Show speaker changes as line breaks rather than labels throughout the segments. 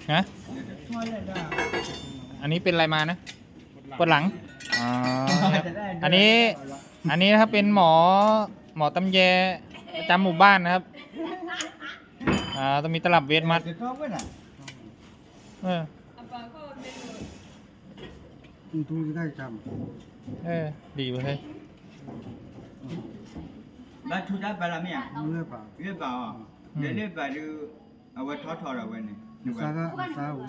ฮะอันนี้เป็นอะไรมานะปวดหลังอ๋ออันนี้นะครับเป็นหมอตำแยประจำหมู่บ้านนะครับต้องมีตลับเวทมัด
ดูได้จ
ดีเว้ย
บ้านทุกด้านไปละเมีย
ำเลือกเปล่า
เรียบเปล่าเดี๋ยวเรียบไปดูเอาไว้ทอดเอาไว้เนี่ย
ซาก็ซาหัว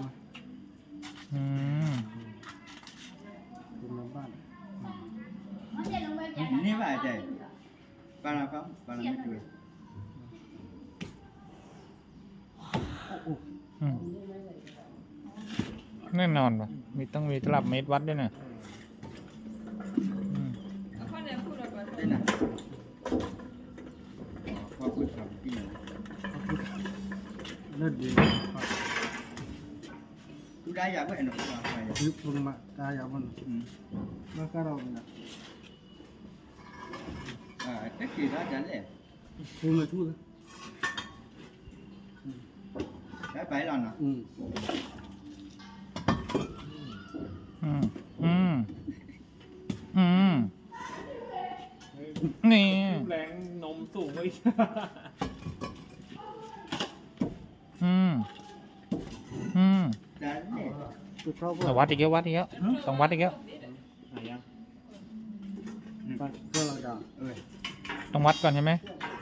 คุณมาบ้าน
นี่ว่าใจปลาครับปลาไม่ช่วย
แน่นอนป่ะต้องมีตลับเมตรวัดด้วยนะ
ได้นะพอคุยกับพี่
เลือดดี
ทุกได้อยากไว้หนูไป
คือคุณมาตายามันมาก็เราเนี่ย
tất kỳ đó chẳng lẽ
คุณมาช่วย
cái bảy lần à
นี่
แรงนมสูงเลย
chẳng lẽ
คือเขา
วัดอีกแล้วต้องวัดอีกแล้ว
ไหนยัง
ก็เราด่า
ต้องวัดก่อนใช่ไหม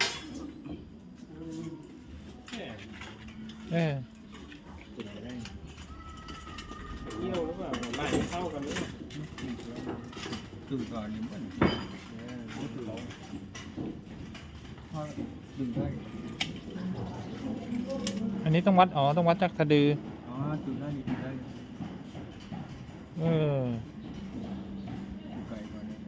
เที่ยวหรือเปล่าไหลเข้ากันหรือเปล่า
từ cò điểm vẫn
ดึงได้
อันนี้ต้องวัดต้องวัดจากสะดือ
từ đó đi từ đây cái còn này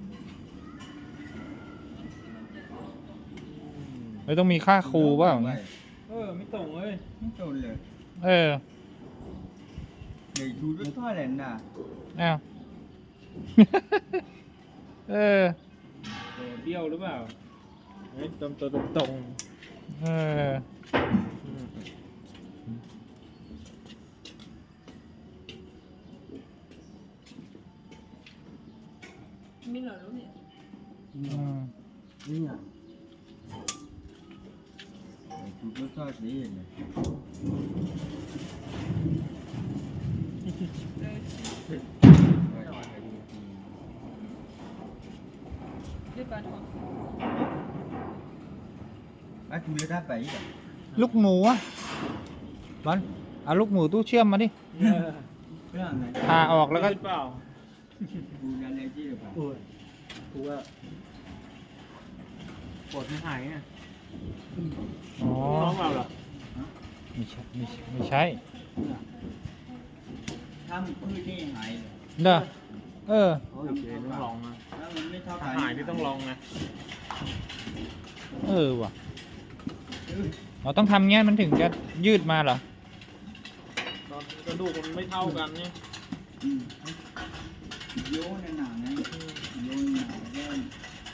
ไม่ต้องมีค่าครูเปล่า
ไม่ตรงเลย
không trồnเลย để chú rất thoải lên nè
อ้าว
เบี้ยวหรือเปล่าเฮ้ยตรงตรง
มีเหรอลูกเนี่ย
นี่อ่ะ
để chú rất thoải thế này
ด้วยปลาทอง
chú lấy đáp bảy rồi
ลูกหมูอ่ะบอลเอาลูกหมูตู้เชื่อมมาดิ
cái hàng này
ผ่าออกแล้วก็
หรือเปล่า
chú ra lấy chi được
โอ้ยกูว่า
ปวดไม่หายอ่ะ
อ๋อ
น้องเราเหรอ
ไม่ใช่
thăm cứ đi hại
เด้อ
โอเคต้องลองนะ
ถ้ามันไม่เท่า
ถ้า
กัน
หายนี่ต้องลองนะ
ว่ะเราต้องทำเงี้ยมันถึงจะยืดมาเหรอ
ตอนกระดูกมันไม่เท่ากันเนี่ย
โยนหนาไงโยนหนาแน่น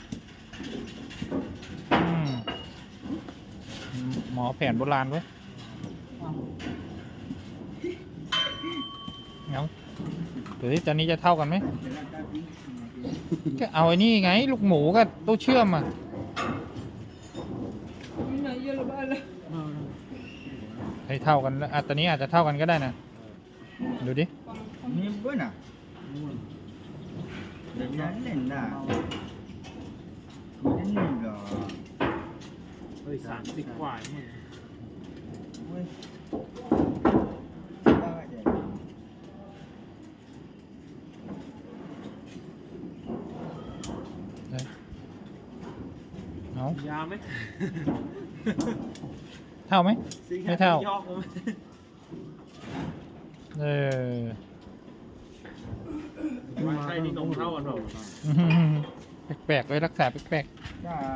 หมอแผนโบราณเว้ยเอาตัวที่ตอนนี้จะเท่ากันไหม ก็เอาไอ้นี่ไง ลูกหมูกับตู้เชื่อมอ่ะ
มีไหนเยอะหรือเปล่าเลย
ให้เท่ากันแล้วตอนนี้อาจจะเท่ากันก็ได้นะ ดูดิ
นิ่มเว้ยน่ะเดี๋ยวนั้นเล่นน่ะกูจะนิ่มเหรอ
เฮ้ย30 กว่าเนี่ย
เว้ยได้เดี๋ยว
เอา
ยาไหม
เท่าไหม ไม่เท่า
ยอกเลย ว่าใช่ที่นมเท่ากันหรอ
แปลกๆไว้รักษาแปลกๆ
จ้า